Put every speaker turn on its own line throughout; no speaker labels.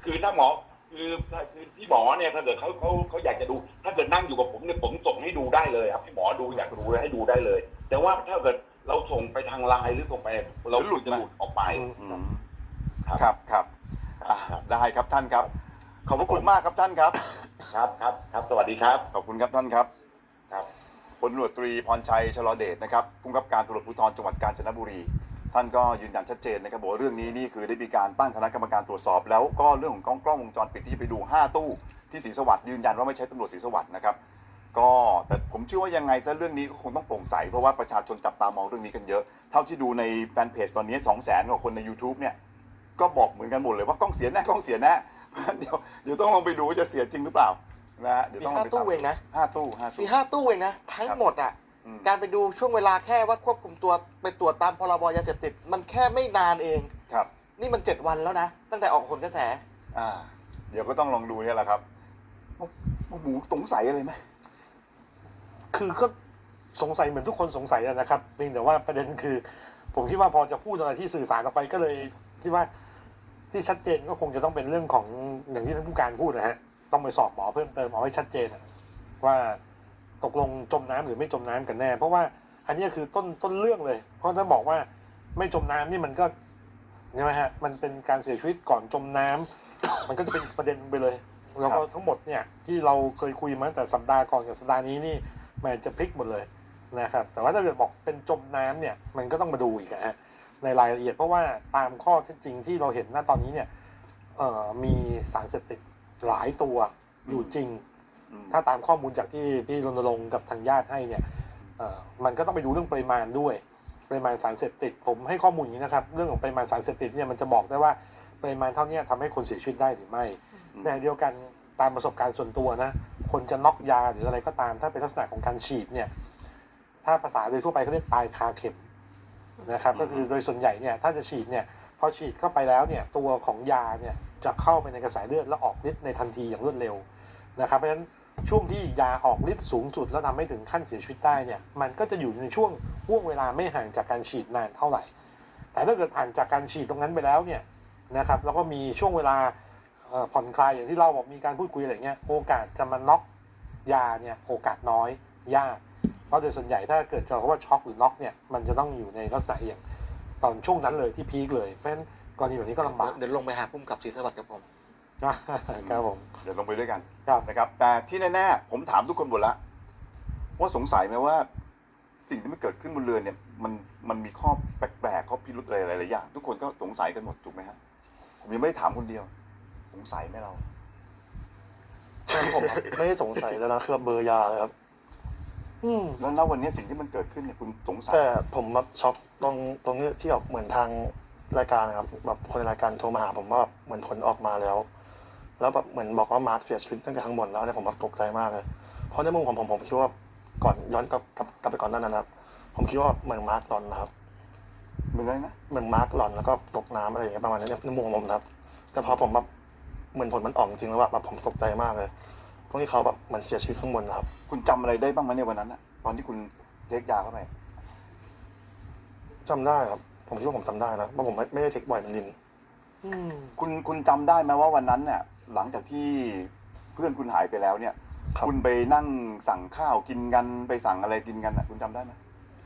คือถ้าหมอคือพี่หมอเนี่ยถ้าเกิดเขาอยากจะดูถ้าเกิดนั่งอยู่กับผมเนี่ยผมส่งให้ดูได้เลยครับพี่หมอดูอยากดูให้ดูได้เลย แต่ว่าถ้าเกิดเราส่งไปทางไลน์หรือส่งไปเราหลุดจะหลุดออกไป
ครับครับได้ครับท่านครับขอบพระคุณมากครับท่านครับ
ครับสวัสดีครับ
ขอบคุณครับท่านครับ
ครับ
พลตำรวจตรีพรชัยชลเดชนะครับผู้กำกับการตำรวจภูธรจังหวัดกาญจนบุรีท่านก็ยืนยันชัดเจนนะครับบอกว่าเรื่องนี้นี่คือได้มีการตั้งคณะกรรมการตรวจสอบแล้วก็เรื่องของกล้องวงจรปิดที่ไปดู5ตู้ที่ศรีสวัสดิ์ยืนยันว่าไม่ใช่ตำรวจศรีสวัสดิ์นะครับก็แต่ผมเชื่อว่ายังไงซะเรื่องนี้ก็คงต้องโปร่งใสเพราะว่าประชาชนจับตามองเรื่องนี้กันเยอะเท่าที่ดูในแฟนเพจตอนนี้ 200,000 กว่าคนใน YouTube เนี่ยก็บอกเหมือนกันหมดเลยว่ากล้องเสียแน่กล้องเสียแน่เดี๋ยวต้องลองไปดูว่าจะเสียจริงหรือเปล่านะฮะเดี๋ยวต้องลองไป
มี5 ตู้เองนะ
5 ตู้
มี5 ตู้เองนะทั้งหมดอ่ะการไปดูช่วงเวลาแค่ว่าควบคุมตัวไปตรวจตามพรบยาเสพติดมันแค่ไม่นานเอง
ครับ
นี่มัน7 วันแล้วนะตั้งแต่ออกผลกระแส
เดี๋ยวก็ต้องลองดูเนี่ยแหละครับหมูสงสัยอะไรไหม
คือก็สงสัยเหมือนทุกคนสงสัยนะครับเพียงแต่ว่าประเด็นคือผมคิดว่าพอจะพูดอะไรที่สื่อสารออกไปก็เลยคิดว่าที่ชัดเจนก็คงจะต้องเป็นเรื่องของอย่างที่ท่านผู้การพูดนะฮะต้องไปสอบหมอเพิ่มเติมเอาให้ชัดเจนว่าตกลงจมน้ำหรือไม่จมน้ำกันแน่เพราะว่าอันนี้คือต้นเรื่องเลยเพราะถ้าบอกว่าไม่จมน้ำนี่มันก็ใช่ไหมฮะมันเป็นการเสียชีวิตก่อนจมน้ำ มันก็จะเป็นประเด็นไปเลยแล้วก็ทั้งหมดเนี่ยที่เราเคยคุยมาตั้งแต่สัปดาห์ก่อนกับสัปดาห์นี้นี่มันจะพลิกหมดเลยนะครับแต่ว่าถ้าเกิดบอกเป็นจมน้ำเนี่ยมันก็ต้องมาดูอีกนะฮะในรายละเอียดเพราะว่าตามข้อเท็จจริงที่เราเห็นณตอนนี้เนี่ยมีสารเสพติดหลายตัวอยู่จริงถ้าตามข้อมูลจากที่พี่รณรงค์กับทางญาติให้เนี่ยมันก็ต้องไปดูเรื่องปริมาณด้วยปริมาณสารเสพติดผมให้ข้อมูลอย่างนี้นะครับเรื่องของปริมาณสารเสพติดเนี่ยมันจะบอกได้ว่าปริมาณเท่านี้ทำให้คนเสียชีวิตได้หรือไม่ในเดียวกันตามประสบการณ์ส่วนตัวนะคนจะน็อกยาหรืออะไรก็ตามถ้าเป็นลักษณะของการฉีดเนี่ยถ้าภาษาโดยทั่วไปเขาเรียกตายคาเข็มนะครับก็คือโดยส่วนใหญ่เนี่ยถ้าจะฉีดเนี่ยพอฉีดเข้าไปแล้วเนี่ยตัวของยาเนี่ยจะเข้าไปในกระแสเลือดแล้วออกฤทธิ์ในทันทีอย่างรวดเร็วนะครับเพราะฉะนั้นช่วงที่ยาออกฤทธิ์สูงสุดแล้วทำให้ถึงขั้นเสียชีวิตได้เนี่ยมันก็จะอยู่ในช่วงห่วงเวลาไม่ห่างจากการฉีดนานเท่าไหร่แต่ถ้าเกิดผ่านจากการฉีดตรงนั้นไปแล้วเนี่ยนะครับแล้วก็มีช่วงเวลาผ่อนคลายอย่างที่เราบอกมีการพูดคุยอะไรเงี้ยโอกาสจะมาน็อกยาเนี่ยโอกาสน้อยยากเพราะโดยส่วนใหญ่ถ้าเกิดเราว่าช็อกหรือน็อกเนี่ยมันจะต้องอยู่ในลักษณะอย่างตอนช่วงนั้นเลยที่พีคเลยเพราะฉะนั้นกรณีแบบนี้ก็ลำบาก
เดี๋ยวลงไปหาพุ่มกับศรีสวัสดิ์กับผม
ครับผม
เดี๋ยวลงไปด้วยกัน
ครับ
นะครับแต่ที่แน่ๆผมถามทุกคนหมดแล้วว่าสงสัยไหมว่าสิ่งที่มันเกิดขึ้นบนเรือเนี่ยมันมีข้อแปลกๆข้อพิรุธอะไรหลายๆอย่างทุกคนก็สงสัยกันหมดถูกไหมฮะผมยังไม่ได้ถามคนเดียวสงสัยไหมเรา
ผมไม่ได้สงสัยแล้วนะคือเบอร์ยาเลยครับ
แล้วณวันนี้สิ่งที่มันเกิดขึ้นเนี่ยคุณสงสัย
แต่ผมแบบช็อกตรงนี้ที่แบบเหมือนทางรายการนะครับแบบคนในรายการโทรมาหาผมว่าแบบเหมือนผลออกมาแล้วแบบเหมือนบอกว่ามาร์คเสียชีวิตตั้งแต่ข้างบนแล้วเนี่ยผมแบบตกใจมากเลยเพราะในมุมของผมคิดว่าก่อนย้อนกลับไปก่อนนั้นนะครับผมคิดว่าเหมือนมาร์คหลอนนะครับ
เหมือนอะไรนะ
เหมือนมาร์คหลอนแล้วก็ตกน้ำอะไรอย่างเงี้ยประมาณนี้ในมุมของผมนะครับแต่พอผมแบบเหมือนผลมันออกจริงแล้วแบบผมตกใจมากเลยพวกที่เขาแบบเหมือนเสียชีวิตข้างบนนะครับ
คุณจำอะไรได้บ้างไหมในวันนั้นอะตอนที่คุณเทคยาเข้าไป
จำได้ครับผมคิดว่าผมจำได้นะเพราะผมไม่ได้เทคบ่อยมันดิน
คุณจำได้ไหมว่าวันนั้นเนี่ยหลังจากที่เพื่อนคุณหายไปแล้วเนี่ยคุณไปนั่งสั่งข้าวกินกันไปสั่งอะไรกินกันอะคุณจำได้ไหม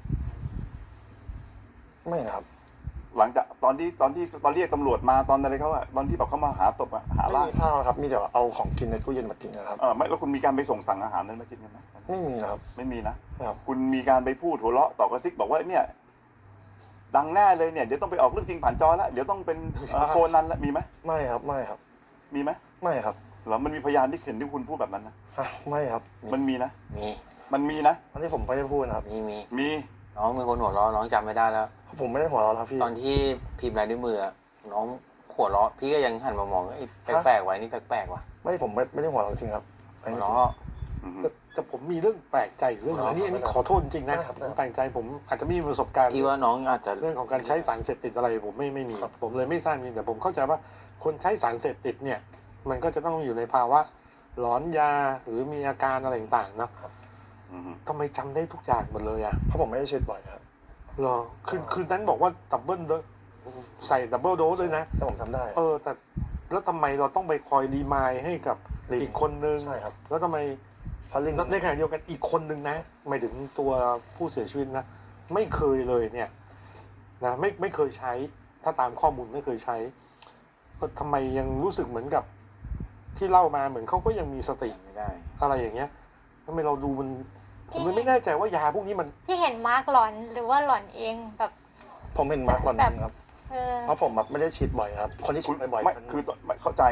ไม่นะครับ
หลังจากตอนเรียกตำรวจมาตอนอะไรเขาอะตอนที่แบบเขามาหาตบอะหา
ไม่
ล่า
มีข้าวครับมีแต่เอาของกินในตู้เย็นมากินนะครับ
ไม่แล้วคุณมีการไปสั่งอาหารนั้นมากินกันไหม
ไม่มีนะครับ
ไม่มีนะครับคุณมีการไปพูดหัวเราะต่อกระซิกบอกว่าเนี่ยดังแน่เลยเนี่ยเดี๋ยวต้องไปออกเรื่องจริงผ่านจอแล้วเดี๋ยวต้องเป็นโคนันแล้วมีไหม
ไม่ครับไม่ครับ
มีไหม
ไม่ครับ
แล้วมันมีพยานที่เห็นที่คุณพูดแบบนั้นนะ
ไม่ครับ
มันมีนะ
มี
มันมีนะ
อันนี้ผมไม่ได้พูดนะครับ
มี
น้องเป็นคนหัวเราะน้องจำไม่ได้แล้ว
ผมไม่ได้หัวเราะครับพี่
ตอนที่พิมพ์ลายนิ้วมือน้องหัวเราะพี่ก็ยังหันมามองไอ้แปลกๆไว้นี่แปลกๆว่ะ
ผมไม่ได้หัวเราะจริงครับ
หัวเราะ
แต่ผมมีเรื่องแปลกใจเรื่องอันนี้ขอโทษจริงนะผมแปลกใจผมอาจจะไม่มีประสบการณ์
ที่ว่าน้องอาจจะ
เรื่องของการใช้สารเสพติดอะไรผมไม่มีผมเลยไม่ทราบจริงแต่ผมเข้าใจว่าคนใช้สารเสพติดเนี่ยมันก็จะต้องอยู่ในภาวะหลอนยาหรือมีอาการอะไรต่างๆนะทำไมจำได้ทุกอย่างหมดเลยอ่ะ
เพราะผมไม่ได้เช็ดบ่อยครับ
เหรอคืนนั้นบอกว่าดับเบิลใส่ดับเบิลโดสเลยนะ
แต่ผมทำได้
แต่แล้วทำไมเราต้องไปคอยรีมายให้กับ
ลิง
อีกคนนึง
ใช่ครับ
แล้วทำไม
เพราะลิง
ในขณะเดียวกันอีกคนนึงนะหมายถึงตัวผู้เสียชีวิตนะไม่เคยเลยเนี่ยนะไม่เคยใช้ถ้าตามข้อมูลไม่เคยใช้ทำไมยังรู้สึกเหมือนกับที่เล่ามาเหมือนเขาก็ยังมีสติ
ไม่ได้
อะไรอย่างเงี้ยทำไมเราดูมันผมไม่แน่ใจว่ายาพวกนี้มัน
ที่เห็นมาร์กหลอนหรือว่าหลอนเองแบบ
ผมเห็นมาร์กก่อนจริงครับ
เออ
เพราะผมแบบไม่ได้ฉีดบ่อยครับ คนที่ฉี
คุ
ด
ณ
บ่อยๆ
ไม่
มัน
คือไม่เข้าใจ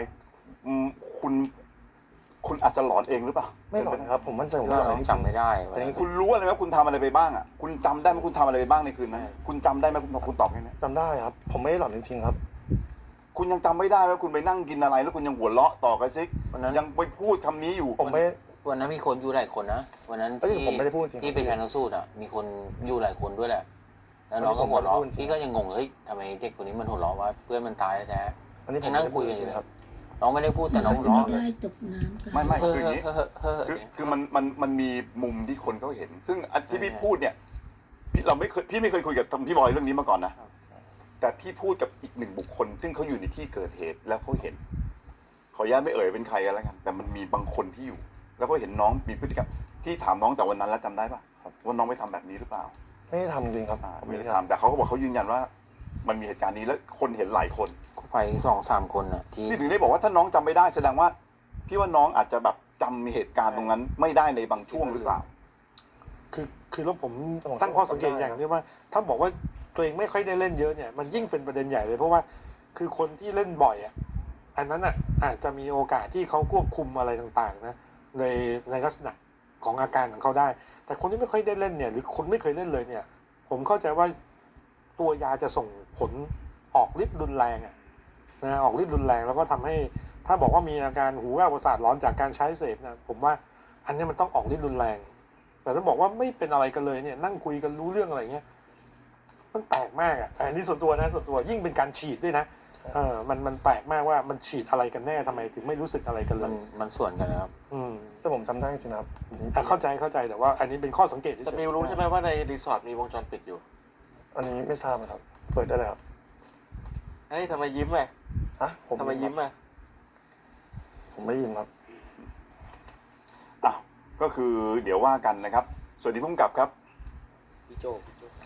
คุณอาจจะหลอนเองหรือเปล่า
ไม่หลอนครับ ผมมั่นใจผม
เรา
ว่าอะไรที่
จำไม่ได้
อันนี้
คุณรู้อะไรไหมคุณทำอะไรไปบ้างอ่ะคุณจำได้ไหมคุณทำอะไรไปบ้างในคืนนั้นคุณจำได้ไหมคุณตอบแค่นี้
จำได้ครับ ผมไม่ได้หลอนจริงๆครับ
คุณยังจำไม่ได้ว่าคุณไปนั่งกินอะไร แล้วคุณยังหัวเราะต่อกันซิ
วันนั้น
ยังไปพูดคำนี้อยู่
ผมไม่
วันนั้นมีคนอยู่หลายคนนะวันนั้น
เอ้ยผมไม่ได้พูดจริง
ที่ไปชันสูตรอ่ะมีคนอยู่หลายคนด้วยแหละแล้วน้องก็หัวเราะ
ผมไม่ได้พูดจริง
พี่ก็ยังงงเลยเฮ้ยทำไมเด็กคนนี้มันหัวเราะว่าเพื่อนมันตายแท้
อันนี้ผม
ยัง
ไม่
นั่ง
ได้
คุ
พูด
ย
จ
กันอ
ริ
ยู่
ง
เลย
ๆครับ
น้องไม่ได้พูดแต่น้องหัวเราะเลย
ได้ตกน้ำกัน
ไม่
เฮ้อ
คืออย่างนี้
เฮ้อเฮ้อ
คือมันมีมุมที่คนเขาเห็น ซึ่งอันที่พี่พูดเนี่ยพี่ไม่เคยคุยกับพี่บอยเรื่องนี้มาก่อนนะแต่พี่พูดกับอีกหนึ่งบุคคล ซึ่งเขาอยู่ในที่เกิดเหตุแล้วเขาเห็น ขออนุญาตไม่เอ่ยเป็นใครกันแล้วกันแต่มันมีบางคนที่อยู่ แล้วก็เห็นน้องมีพฤติกรรมที่ถามน้องแต่วันนั้นแล้วจำได้ปะว่าน้องไปทำแบบนี้หรือเปล่า
ไม่ได้ทำจริงครับ
ไม่ได้ทำแต่เขาก็บอกเขายืนยันว่า มันมีเหตุการณ์นี้แล้วคนเห็นหลายคน
ไป2-3 คนอ่ะที่
พี่ถึงได้บอกว่าถ้าน้องจำไม่ได้แสดงว่าพี่ว่าน้องอาจจะแบบจำเหตุการณ์ตรงนั้น ไม่ได้ในบางช่วงหรือเปล่า
คือแล้วผมตั้งข้อสังเกตอย่างที่ว่า ถ้าบอกว่าตัวเองไม่ค่อยได้เล่นเยอะเนี่ยมันยิ่งเป็นประเด็นใหญ่เลยเพราะว่าคือคนที่เล่นบ่อยอ่ะอันนั้นอ่ะอาจจะมีโอกาสที่เขาควบคุมอะไรต่างๆนะในลักษณะของอาการของเขาได้ แต่คนที่ไม่ค่อยได้เล่นเนี่ยหรือคนไม่เคยเล่นเลยเนี่ย ผมเข้าใจว่าตัวยาจะส่งผลออกฤทธิ์รุนแรงอ่ะนะออกฤทธิ์รุนแรงแล้วก็ทำให้ถ้าบอกว่ามีอาการหูแว่วประสาทร้อนจากการใช้เสพนะผมว่าอันนี้มันต้องออกฤทธิ์รุนแรง แต่ถ้าบอกว่าไม่เป็นอะไรกันเลยเนี่ยนั่งคุยกันรู้เรื่องอะไรเงี้ยมันแปลกมากอ่ะอันนี้ส่วนตัวนะส่วนตัวยิ่งเป็นการฉีดด้วยนะมันแปลกมากว่ามันฉีดอะไรกันแน่ทำไมถึงไม่รู้สึกอะไรกันเล
มัน
ย
มันส่วนกันนะครับ
แต่ผมจำได้จริงๆนะครับ
เข้าใจแต่ว่าอันนี้เป็นข้อสังเกต
แต่มิวรู้ใช่ไหมว่าในรีสอร์ทมีวงจรปิดอยู่
อันนี้ไม่ทราบนะครับ เปิดได้เลยครับ
เฮ้ยทำไมยิ้มอ่ะ
ฮะผม
ทำไมยิ้มอ่ะ
ผมไม่ยิ้มครับ
อ้าวก็คือเดี๋ยวว่ากันนะครับสวัสดีพุ่มกับครับ
พี่โจ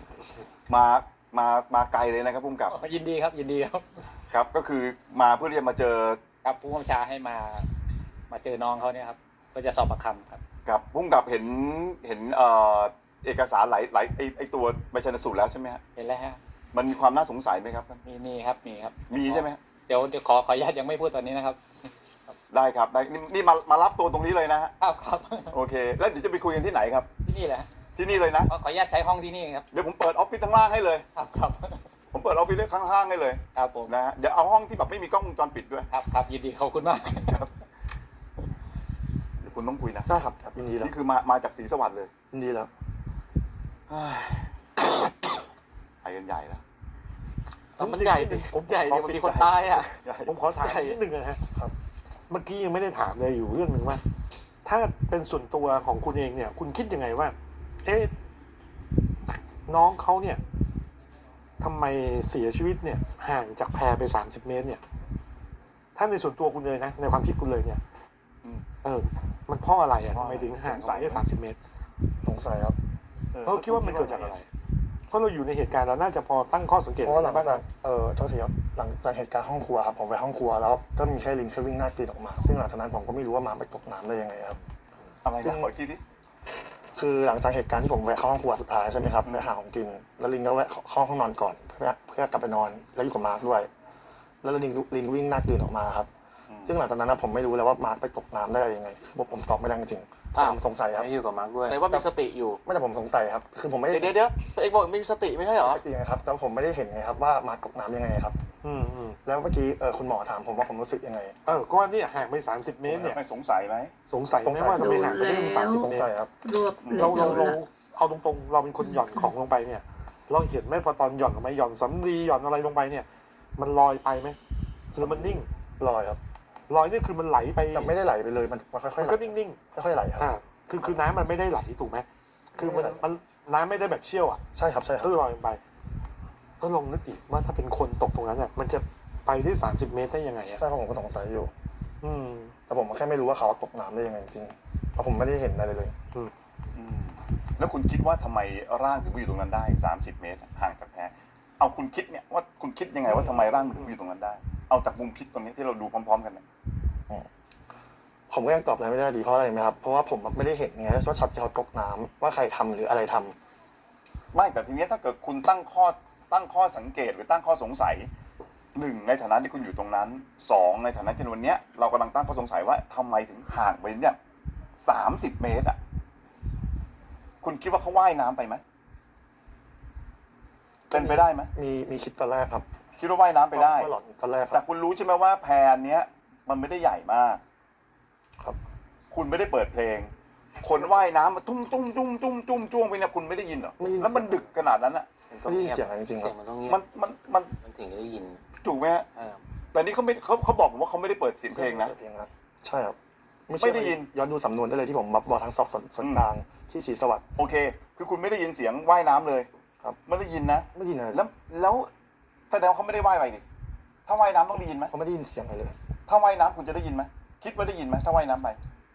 มาไกลเลยนะครับพุ่มกับ
ยินดีครับยินดีครับ
ครับ ก็คือมาเพื่อที่จะมาเจอ
ครับผู้กำกับชาให้มาเจอน้องเขาเนี่ยครับเพื่อจะสอบปากคำครับ
กับพุ่มกับเห็นเอกสารหลายไอตัวใบชันสูตรแล้วใช่ไหมฮะ
เห็นแล้วฮะ
มันมีความน่าสงสัยไหมครับ
มีครับมีครับ
มีใช่ไหมฮะ
เดี๋ยวขออนุญาตยังไม่พูดตอนนี้นะครับ
ได้ครับได้นี่มารับตัวตรงนี้เลยนะฮะ
ครับ
โอเค แล้วเดี๋ยวจะไปคุยกันที่ไหนครับ
ที่นี่แหละฮะ
ที่นี่เลยนะ
ขออนุญาตใช้ห้องที่นี่ครับ
เดี๋ยวผมเปิดออฟฟิศข้างล่างให้เลย
ครับ
ผมเปิดออฟฟิศข้างๆให้เลย
ครับผม
นะฮะเดี๋ยวเอาห้องที่แบบไม่มีกล้องวงจรปิดด้วย
ครับยินดีขอบคุณมาก
เดี๋ยวคุณต้องคุยนะ
ได้ครับยินดีแล้ว
นี่คือมาจากศรีสวัสดิ์เลย
ยินดีแล้ว
ไปกันใหญ่แล้ว
มันใหญ่สิผมใหญ่เนี่ยมันมีคนตายอ่ะ
ผมขอถามนิดนึงนะฮะ
ครับ
เมื่อกี้ยังไม่ได้ถามเลยอยู่เรื่องหนึ่งว่า ถ้าเป็นส่วนตัวของคุณเองเนี่ย คุณคิดยังไงว่า เอ๊ะน้องเขาเนี่ยทำไมเสียชีวิตเนี่ย ห่างจากแพไป30 เมตร เนี่ย ถ้าในส่วนตัวคุณเลยนะ ในความคิดคุณเลยเนี่ย มันเพราะอะไรอ่ะทำไมถึงห่างสายได้30 เมตร
สงสัยครับ
เขาคิดว่ามันเกิดจากอะไร เพราะเราอยู่ในเหตุการณ์เราน่าจะพอตั้งข้อสังเกต
เพราะว่าหลัง
บ้าง
จากโทษทีครับหลังจากเหตุการณ์ห้องครัวครับผมไปห้องครัวแล้วก็มีแค่ลิงแค่วิ่งหน้ากรีดออกมา ซึ่งหลังจากนั้นผมก็ไม่รู้ว่าหมาไปตกน้ำได้ยังไงครับ
อะไรนะขออีกทีดิ
คือหลังจากเหตุการณ์ที่ผมแวะเข้าห้องครัวสุดท้ายใช่ไหมครับไปหาของกิน แล้วลิงก็แวะเข้าห้องนอนก่อนเพื่อกลับไปนอนแล้วอยู่กับมาร์คด้วย แล้วลิงวิ่งหน้ากรีดออกมาครับ ซึ่งหลังจากนั้นผมไม่รู้แล้วว่ามาร์คไปตกน้ำได้ยังไงคือผมตอบไม่ได้จริงๆผมสงสัยครับ
ไม่อยู่กับมาร์คด้วย
ไหนว่ามีสติอยู่
ไม่แต่ผมสงสัยครับคือผมไม่ได้
เดี๋ยวตัวเองบอกไม่มีสติไม่ใช่เหรอ
สติไงครับแต่ผมไม่ได้เห็นไงครับว่ามาร์คตกน้ำยังไงครับ
อืม
แล้วเมื่อกี้คุณหมอถามผมว่าผมรู้สึกยังไง
ก็ว่าเนี่ยห่างไป30 เมตรเนี่ย
ไม่สงสัยไหม
สงสัยไหมว่าทำไมห่างไปได้ถึง30
สง
เม
สั
ต
ย
ร
ครับ
รวบ
เรา
เลย
เอาตรงๆเราเป็นคนหย่อนของลงไปเนี่ย เราเห็นไหมพอตอนหย่อนลงไปหย่อนสำลีหย่อนอะไรลงไปเนี่ย มันลอยไปไหมหรือมันนิ่ง
ลอยครับ
ลอยนี่คือมันไหลไป
แต่ไม่ได้ไหลไปเลยมันค่อยๆ
มัน
ไหล
ก็นิ่ง
ค่อยๆไหลครับ
คือน้ำมันไม่ได้ไหลถูกไหมคือมันน้ำไม่ได้แบบเชี่ยวอ่ะ
ใช่ครับใช่ครับ
ก็ลอยลงไป ก็ลองนึกดิว่าถ้าเป็นคนตกตรงนั้นอ่ะมันจะไปที่30 เมตรได้ยังไงอะ
ใช่ครับผมก็สงสัยอยู่
อืม
แต่ผมแค่ไม่รู้ว่าเขาตกน้ำได้ยังไงจริงๆเพราะผมไม่ได้เห็นอะไรเลย
แล้วคุณคิดว่าทำไมร่างถึงไปอยู่ตรงนั้นได้30 เมตรห่างจากแพเอาคุณคิดเนี่ยว่าคุณคิดยังไงว่าทำไมร่างมันถึงไปอยู่ตรงนั้นได้ เอาจากมุมคิดตรงนี้ที่เราดูพร้อมๆกันเนี่ย
ผมก็ยังตอบอะไรไม่ได้ดีเพราะอะไรไหมครับเพราะว่าผมไม่ได้เห็นไงว่าช็อตที่เขาตกน้ำว่าใครทำหรืออะไรทำ
ไม่แต่ทีนี้ถ้าเกิดคุณตั้งข้อสังเกตหรือตั้งข้อสงสัย1ในฐานะที่คุณอยู่ตรงนั้น2ในฐานะที่วันเนี้ยเรากำลังตั้งข้อสงสัยว่าทำไมถึงห่างไปเนี่ย30 เมตรอ่ะคุณคิดว่าเขาว่ายน้ำไปไหมเป็นไปได้ไหม
มีคิดตอนแรกครับ
คิดว่าว่ายน้ำไปได้
ว่าหลอดตอนแรกค
แต่
รับ
คุณรู้ใช่ไหมว่าแพเนี้ยมันไม่ได้ใหญ่มาก
ครับ
คุณไม่ได้เปิดเพลง คนว่ายน้ำมาตุ้มตุ้มตุ้มตุ้มตุ้มจ้วงไปเนี่ยคุณไม่ได้ยินเหรอ
ไม่ได้ยิน
แล้วมันดึกขนาดนั้นอ่ะ
ไม่ได้ยินเสียงอะไรจริงๆค
เสี
รั
ย
บ
งมันต้องเงียบ
มัน
ถึงจะได้ยิน
ถูกไหมฮะ
ใช่ครับ
แต่นี่เขาบอกผมว่าเขาไม่ได้เปิดเสียงเพลงนะ
เพลงนะใช่ครับ
ไม่ได้ยิน
ย้อนดูสำนวนได้เลยที่ผมบอกทั้งสอบส่วนกลางที่ศรีสวัสดิ์
โอเค คือคุณไม่ได้ยินเสียงว่ายน้ำเลย
ครับ
ไม่ได้ยินนะ
ไม่ได้ยินอะไร
แล้วแสดงว่าเขาไม่ได้ว่ายไปดิถ้าว่ายน้ำต้องได้ยินไหม
เขาไม่ได้ยินเสียงอะไรเลย
ถ้าว่ายน้ำคุณจะได้ยินไหมคิดว่าได้ยินไหมถ้าว่ายน้ำไป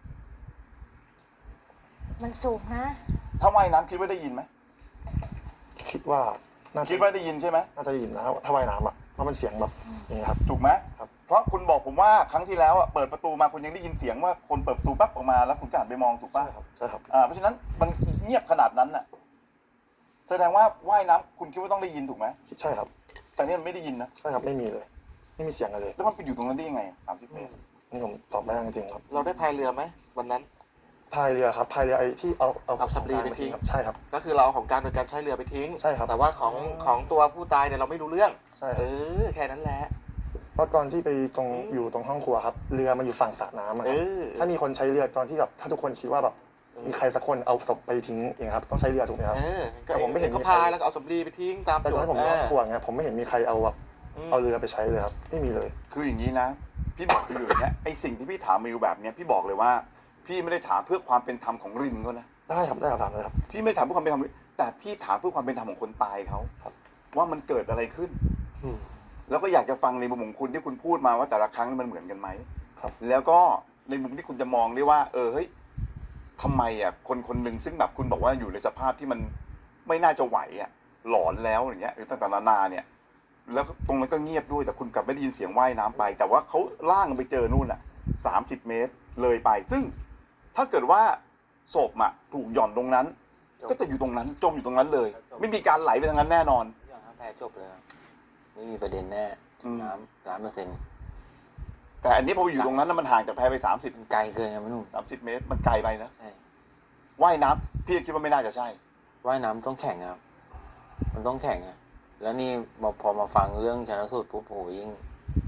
มันสูงนะ
ถ้าว่ายน้ำคิดว่าได้ยินไหม
คิดว่าน่าจะ
คิดว่าได้ยินใช่ไหม
น่าจะได้ยินนะถ้าว่ายน้ำอ่ะเพราะมันเสียงแบบอย่างนี้ครับ
ถูกไหม
ครับ
เพราะคุณบอกผมว่าครั้งที่แล้วอะเปิดประตูมาคุณยังได้ยินเสียงว่าคนเปิดประตูปั๊บออกมาแล้วคุณก็หันไปมองถูก
ใช่
ป่ะ
ครับใช่ครับ
เพราะฉะนั้นมันเงียบขนาดนั้นน่ะ แสดงว่าว่ายน้ำคุณคิดว่าต้องได้ยินถูกไหม
ใช่ครับ
แต่นี่มันไม่ได้ยินนะ
ใช่ครับไม่มีเลย ไม่มีเสียงอะไรเลย
แล้วมันไปอยู่ตรงนั้นได้ยังไง30 เมตร
นี่ผมตอบไม่ได้จริงๆครับ
เราได้พายเรือไหมวันนั้น
พายเรือครับพายเรือไอ้ที่เอา
เอาสำลีไปทิ้ง
ครับใช่ครับ
ก็คือเราเอาของกลารโดยการใช้เรือไปทิ้ง
ใช่ครับ
แต่ว่าของตัวผู้ตายเนี่ยเราไม่รู้เรื่อง
ใช่ครับ
แค่นั้นแหละ
เพราะตอนที่ไปอยู่ตรงห้องครัวครับเรือมันอยู่ฝั่งสระน้ำอะครับถ้ามีคนใช้เรือตอนที่แบบถ้าทุกคนคิดว่าแบบมีใครสักคนเอาศพไปทิ้งอย่างเงี้ยครับต้องใช้เรือถูกไหมครับ
ก็
แต่ผมไม่เห็น
เขาพายแล้วก็เอาสำลีไปทิ้งตาม
แต่ตอนที่ผมอยู่ห้องครัวเงี้ยผมไม่เห็นมีใครเอาแบบเอาเรือไปใช้เลยครับไม่มีเลย
คืออย่างนี้นะ พี่บอกอยู่อย่างเงี้ยไอสิ่งที่พี่ถามมิวแบบเนี้ยพี่บอกเลยว่า พี่ไม่ได้ถามเพื่อความเป็นธรรมของรินเขานะ
ได้ครับได้ครับถามเลยครับ
พี่ไม่ได้ถามเพื่อความเป็นธรรมแต่พี่ถามเพื่อความเป็นธรรมของคนตายเขา
ครับ
ว่ามันเกิดอะไรขึ้น
อืม
แล้วก็อยากจะฟังในมุมของคุณที่คุณพูดมาว่าแต่ละครั้งมันเหมือนกันไหม
ครับ
แล้วก็ในมุมที่คุณจะมองได้ว่า เฮ้ยทำไมอ่ะคนคนหนึ่งซึ่งแบบคุณบอกว่าอยู่ในสภาพที่มันไม่น่าจะไหวอ่ะหลอนแล้วอย่างเงี้ยหรือต่างๆนานาเนี่ย แล้วตรงนั้นก็เงียบด้วยแต่คุณกลับไม่ได้ยินเสียงว่ายน้ำไป แต่ว่าเขาล่างไปเจอนู่นอ่ะ30 เมตรเลยไป ซึ่งถ้าเกิดว่าศพอ่ะถูกหย่อนตรงนั้น ก็จะอยู่ตรงนั้นจมอยู่ตรงนั้นเลย ไม่มีการไหลไปทางนั้นแน่นอน
อย่างถ้าแพ้จบเลยครับไม่มีประเด็นแน่
อืม
น้ำ100%
แต่อันนี้พอไปอยู่ตรงนั้นแล้วมันห่างจากแพไป30
มันไกลเกินครับพี่หนุ่ม
30 เมตรมันไกลไปนะ
ใช่
ว่ายน้ำพี่คิดว่าไม่น่าจะใช่
ว่ายน้ำต้องแข่งครับ มันต้องแข่งอะแล้วนี่พอมาฟังเรื่องชันสูตรปุ๊บโอ้โหยิ่ง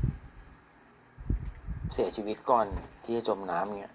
เสียชีวิตก่อนที่จะจมน้ำเงี้ย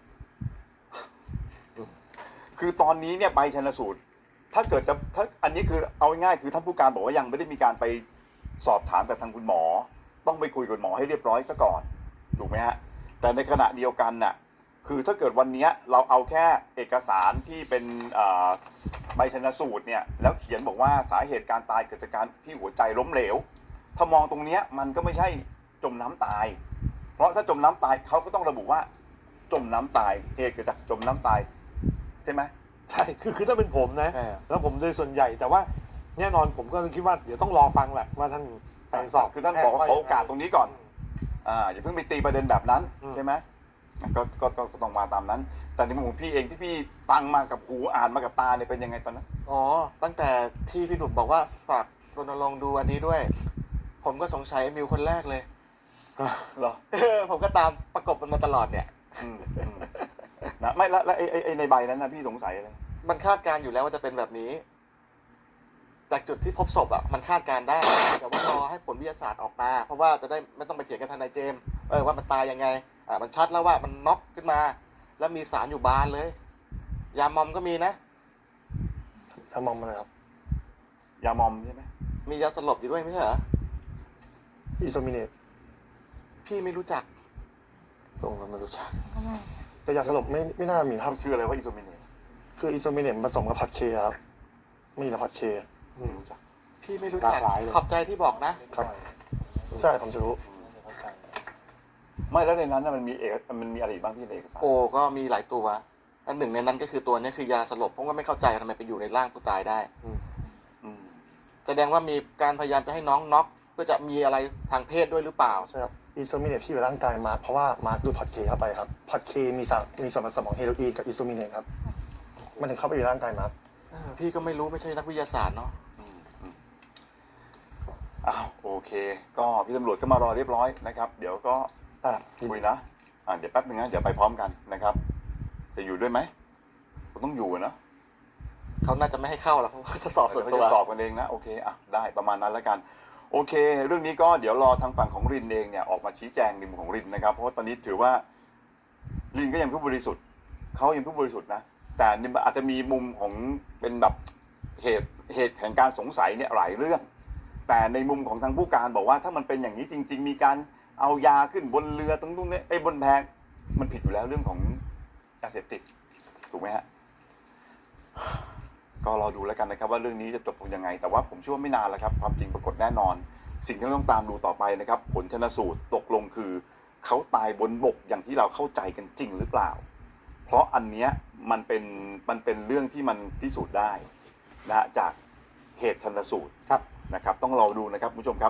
คือตอนนี้เนี่ยใบชันสูตร ถ้าเกิดจะถ้าอันนี้คือเอาง่ายๆคือท่านผู้การบอกว่ายังไม่ได้มีการไปสอบถามกับทางคุณหมอ ต้องไปคุยกับหมอให้เรียบร้อยซะก่อนถูกไหมฮะแต่ในขณะเดียวกันน่ะคือถ้าเกิดวันนี้เราเอาแค่เอกสารที่เป็นใบชันสูตรเนี่ยแล้วเขียนบอกว่าสาเหตุการตายเกิดจากการที่หัวใจล้มเหลว ถ้ามองตรงเนี้ยมันก็ไม่ใช่จมน้ำตาย เพราะถ้าจมน้ำตายเขาก็ต้องระบุว่าจมน้ำตายเหตุเกิดจากจมน้ำตายใช่ไหม
ใช่คือถ้าเป็นผมนะ
ใช่ครับ
แล้วผมโดยส่วนใหญ่แต่ว่าแน่นอนผมก็คิดว่าเดี๋ยวต้องรอฟังแหละว่าท่านไปสอบ
คือท่านบอกว่าขอโอกาสตรงนี้ก่อนอย่าเพิ่งไปตีประเด็นแบบนั้นใช่ไหมก็ต้องมาตามนั้น แต่ในมุมของพี่เองที่พี่ฟังมากับหูอ่านมากับตาเนี่ยเป็นยังไงตอนนั้น
อ๋อตั้งแต่ที่พี่หนุ่มบอกว่าฝากรณรงค์ดูอันนี้ด้วย ผมก็สงสัยมิวคนแรกเลย
เหรอ
ผมก็ตามประกบมันมาตลอดเนี่ย
อืมนะไม่แล้วไอ้ในใบนั้นนะพี่สงสัยอะไร
มันคาดการณ์อยู่แล้วว่าจะเป็นแบบนี้ จากจุดที่พบศพอ่ะมันคาดการณ์ได้ แต่ว่ารอให้ผลวิทยาศาสตร์ออกมา เพราะว่าจะได้ไม่ต้องไปเถียงกับทนายเจมส์ว่ามันตายยังไงมันชัดแล้วว่ามันน็อกขึ้นมา แล้วมีสารอยู่บานเลย ยามอมก็มีนะ
ถ้ามองมาเลยครับ
ยามอมใช่ไหม
มียาสลบอยู่ด้วยไม่ใช่เหรอ
อิโซมิเนต
พี่ไม่รู้จัก
ลงกันไม่รู้จัก
แต่ยาสลบไม่น่ามีครับ
มันคืออะไรว่าอิโซเมเนส
คืออิโซมิเนตผสมกับพัดเคครับไม่มีนะพัดเค
ไม่รู้จัก
พี่ไม่รู้จัก
หลากหลายเลย
ขอบใจที่บอกนะ
ครับใช่ผมจะรู้
ไม่แล้วในนั้นน่ะมันมีอะไรอีกบ้างพี่ในเอกสาร
โอ้ก็มีหลายตัวอันหนึ่งในนั้นก็คือตัวนี้คือยาสลบผมก็ไม่เข้าใจทำไมไปอยู่ในร่างผู้ตายได้
อืม
แสดงว่ามีการพยายามจะให้น้องน็อกเพื่อจะมีอะไรทางเพศด้วยหรือเปล่า
ใช่ครับอิโซมิเนตที่อยู่ในร่างกายมาร์คเพราะว่ามาร์คดูดพอดเคเข้าไปครับพอดเคมีส่วนผสมของเฮโรอีนกับอิโซมิเนตครับมันถึงเข้าไปอยู่ในร่างกายมาร์ค
พี่ก็ไม่รู้ไม่ใช่นักวิทยาศาสตร์เนาะ
อ้าวโอเค ก็พี่ตำรวจก็มารอเรียบร้อยนะครับ เดี๋ยวก็คุยนะเดี๋ยวแป๊บนึงนะเดี๋ยวไปพร้อมกันนะครับจะอยู่ด้วยไหมผมต้องอยู่อะนะ
เขาน่าจะไม่ให้เข้าหรอกเพราะว่าจะสอบส่วน
เขา
ตัว
จะสอบกันเองนะโอเคอ่ะได้ประมาณนั้นแล้วกันโอเค เรื่องนี้ก็เดี๋ยวรอทางฝั่งของรินเองเนี่ยออกมาชี้แจงในมุมของรินนะครับเพราะว่าตอนนี้ถือว่ารินก็ยังผู้บริสุทธิ์เขายังผู้บริสุทธิ์นะแต่นี่อาจจะมีมุมของเป็นแบบเหตุแห่งการสงสัยเนี่ยหลายเรื่อง แต่ในมุมของทางผู้การบอกว่าถ้ามันเป็นอย่างนี้จริง ๆ มีการเอายาขึ้นบนเรือตรงนู้นเนี่ยบนแพมันผิดอยู่แล้วเรื่องของยาเสพติดถูกไหมฮะก็รอดูแล้วกันนะครับว่าเรื่องนี้จะจบลงยังไงแต่ว่าผมเชื่อว่าไม่นานแล้วครับความจริงปรากฏแน่นอน สิ่งที่เราต้องตามดูต่อไปนะครับผลชันสูตรตกลงคือเขาตายบนบกอย่างที่เราเข้าใจกันจริงหรือเปล่าเพราะอันเนี้ยมันเป็นเรื่องที่มันพิสูจน์ได้นะฮะจากเหตุชันสูตร
ครับ
นะครับต้องรอดูนะครับคุณผู้ชมครับ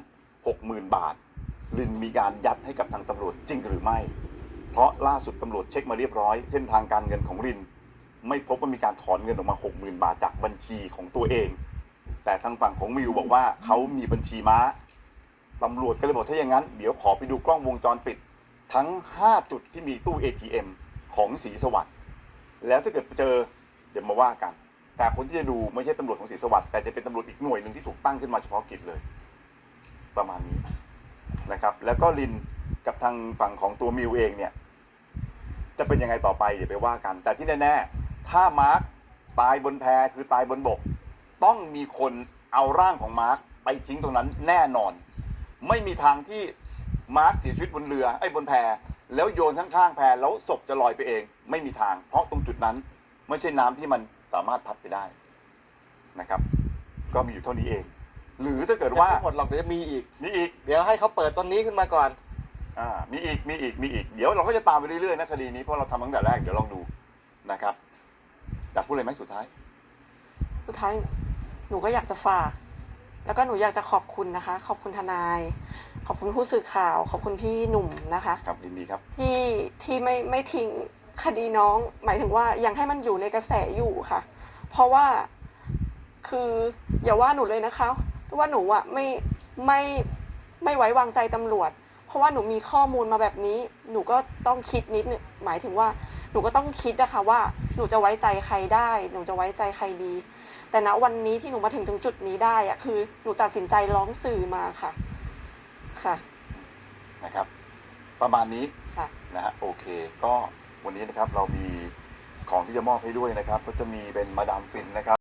60,000 บาทลินมีการยัดให้กับทางตำรวจจริงหรือไม่เพราะล่าสุดตำรวจเช็คมาเรียบร้อยเส้นทางการเงินของลินไม่พบว่ามีการถอนเงินออกมา 60,000 บาทจากบัญชีของตัวเองแต่ทางฝั่งของมิวบอกว่าเขามีบัญชีม้าตำรวจก็เลยบอกถ้าอย่างนั้นเดี๋ยวขอไปดูกล้องวงจรปิดทั้ง5จุดที่มีตู้ ATM ของศรีสวัสดิ์แล้วถ้าเกิดเจอเดี๋ยวมาว่ากันแต่คนที่จะดูไม่ใช่ตำรวจของศรีสวัสดิ์แต่จะเป็นตำรวจอีกหน่วยหนึ่งที่ถูกตั้งขึ้นมาเฉพาะกิจเลยประมาณนี้นะครับแล้วก็ลินกับทางฝั่งของตัวมิวเองเนี่ยจะเป็นยังไงต่อไปเดี๋ยวไปว่ากันแต่ที่แน่ๆถ้ามาร์คตายบนแพคือตายบนบกต้องมีคนเอาร่างของมาร์คไปทิ้งตรงนั้นแน่นอนไม่มีทางที่มาร์คเสียชีวิตบนเรือบนแพแล้วโยนข้างๆแพแล้วศพจะลอยไปเองไม่มีทางเพราะตรงจุดนั้นไม่ใช่น้ำที่มันสามารถพัดไปได้นะครับก็มีอยู่เท่านี้เองหรือถ้าเกิดว่า
ยังไม่หมดหรอกเดี๋ยวมีอีก
มีอีก
เดี๋ยวให้เขาเปิดต้นนี้ขึ้นมาก่อน
มีอีกเดี๋ยวเราก็จะตามไปเรื่อยๆนะคดีนี้เพราะเราทำตั้งแต่แรกเดี๋ยวลองดูนะครับอยากพูดอะไรไหมสุดท้าย
สุดท้ายหนูก็อยากจะฝาก แล้วก็หนูอยากจะขอบคุณนะคะ ขอบคุณทนาย ขอบคุณผู้สื่อข่าว ขอบคุณพี่หนุ่มนะคะ
ครับยินดีครับ
ที่ไม่ทิ้งคดีน้อง หมายถึงว่ายังให้มันอยู่ในกระแสอยู่ค่ะ เพราะว่าคืออย่าว่าหนูเลยนะคะว่าหนูอ่ะไม่ไว้วางใจตำรวจ เพราะว่าหนูมีข้อมูลมาแบบนี้ หนูก็ต้องคิดนิดนึงหมายถึงว่าหนูก็ต้องคิดนะคะว่าหนูจะไว้ใจใครได้ หนูจะไว้ใจใครดี แต่ณวันนี้ที่หนูมาถึงจุดนี้ได้อะคือหนูตัดสินใจร้องสื่อมาค่ะค่ะ
นะครับประมาณนี้
ค่ะ
นะฮะโอเคก็วันนี้นะครับเรามีของที่จะมอบให้ด้วยนะครับก็จะมีเป็นมาดามฟินนะครับ